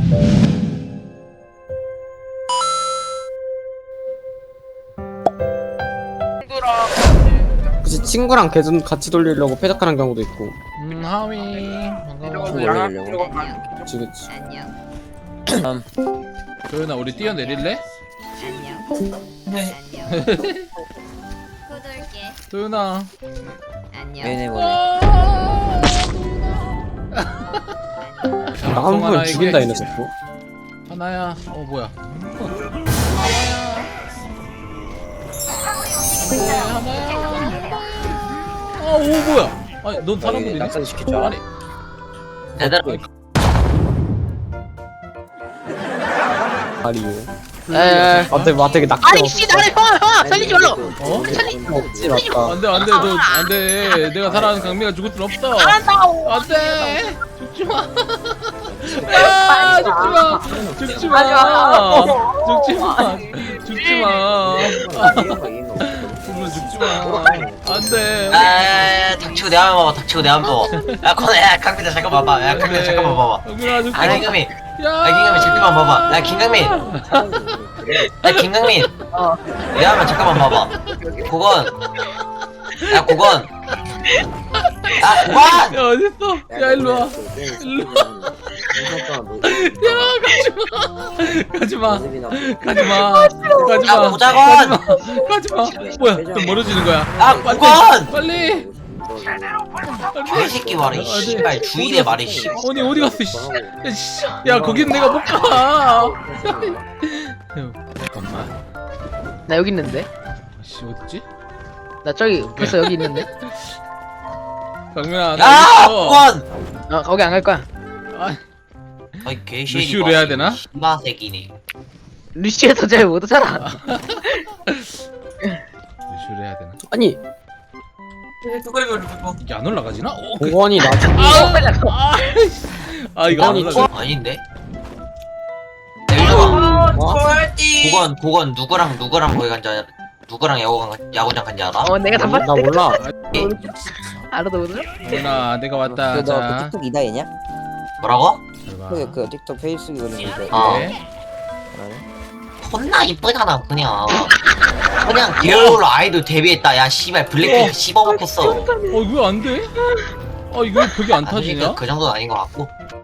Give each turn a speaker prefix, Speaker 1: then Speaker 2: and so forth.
Speaker 1: 그치, 친구랑 계속 같이 돌리려고 패작하는 경우도 있고.
Speaker 2: 하위 반가워.
Speaker 3: 올리려고.
Speaker 1: 그치, 그치.
Speaker 4: 안녕.
Speaker 2: 도현아 우리 뛰어내릴래?
Speaker 3: 안녕.
Speaker 4: 네.
Speaker 3: 안녕. 구독할게.
Speaker 2: 도현아.
Speaker 3: 안녕.
Speaker 4: 얘네 보네.
Speaker 1: 나 한 번 죽인다, 얘네 자꾸.
Speaker 2: 하나야. 뭐야? 하나야. 오 뭐야? 아니 넌 사람 보이네?
Speaker 4: 낙사도 시킬 줄 알아?
Speaker 2: 아니
Speaker 4: 제대로.
Speaker 1: 아리요.
Speaker 5: 에.
Speaker 1: 되게 낙지.
Speaker 5: 아니 씨 나를 형아 살리지 말라.
Speaker 2: 어?
Speaker 1: 없지, 맞다.
Speaker 2: 안돼 안돼 너 안돼 내가 사랑하는 강미가 죽을 순 없어.
Speaker 5: 알았다고.
Speaker 2: 안돼 죽지 마. 야 죽지 마 죽지 마 죽지 마 죽지 마. 죽지 마. 안돼.
Speaker 4: 아, 닥치고 내 한번 봐봐. 닥치고 내 한번 봐봐. 야, 코너, 야, 강민아 잠깐 봐봐. 야, 강민아 잠깐만 봐봐.
Speaker 2: 강민아 죽지
Speaker 4: 아,
Speaker 2: 마.
Speaker 4: 김강민.
Speaker 2: 야.
Speaker 4: 야, 김강민 잠깐만 봐봐. 야, 김강민. 야, 김강민. 내 한번 잠깐만 봐봐. 고건. 야, 고건. 야, 고건.
Speaker 2: 야 어딨어? 야 일로 와. 일로 와. 야 가지마. 가지마. 가지마.
Speaker 4: 야, 고자건.
Speaker 2: 가지마. 뭐야? 좀 멀어지는 거야.
Speaker 4: 야, 고건.
Speaker 2: 빨리.
Speaker 4: 개새끼 말이 씨발 주인의 말이 씨.
Speaker 2: 아니 어디 갔어? 씨. 야, 씨. 야 거긴 내가 못 가. 잠깐만.
Speaker 5: 나 여기 있는데.
Speaker 2: 씨 어딨지?
Speaker 5: 나 저기 벌써 여기 있는데.
Speaker 2: 강민아 나
Speaker 4: 야,
Speaker 2: 어딨어?
Speaker 4: 고건.
Speaker 5: 거기 안 갈 거야.
Speaker 2: 아,
Speaker 4: 아이 개새끼.
Speaker 2: 루시우를 해야 되나?
Speaker 4: 씨바새끼네.
Speaker 5: 루시에서 잘 못하잖아.
Speaker 2: 루시우를 해야 되나?
Speaker 1: 아니,
Speaker 2: 이게 안 올라가지나?
Speaker 1: 공원이 나.
Speaker 2: 아 이거 안 올라가.
Speaker 4: 아닌데? 내가
Speaker 1: 어?
Speaker 4: 고건 누구랑 거기 간지 알아? 누구랑 야구장 간지 알아?
Speaker 5: 내가 다
Speaker 1: 나
Speaker 5: 봤을 때.
Speaker 1: 몰라.
Speaker 5: 알아도 몰라?
Speaker 2: 강민아 내가 왔다.
Speaker 6: 너 그
Speaker 2: 자.
Speaker 6: 틱톡 이다이냐?
Speaker 4: 뭐라고?
Speaker 6: 그 틱톡 페이스북 올리는 거.
Speaker 4: 어.
Speaker 2: 네.
Speaker 4: 존나 이쁘잖아 그냥. 그냥 디얼로 아이돌 데뷔했다. 야 씨발 블랙핑크 씹어먹겠어.
Speaker 2: 이거 안 돼? 이거 벽이 안 타지냐?
Speaker 4: 그 정도는 아닌 것 같고.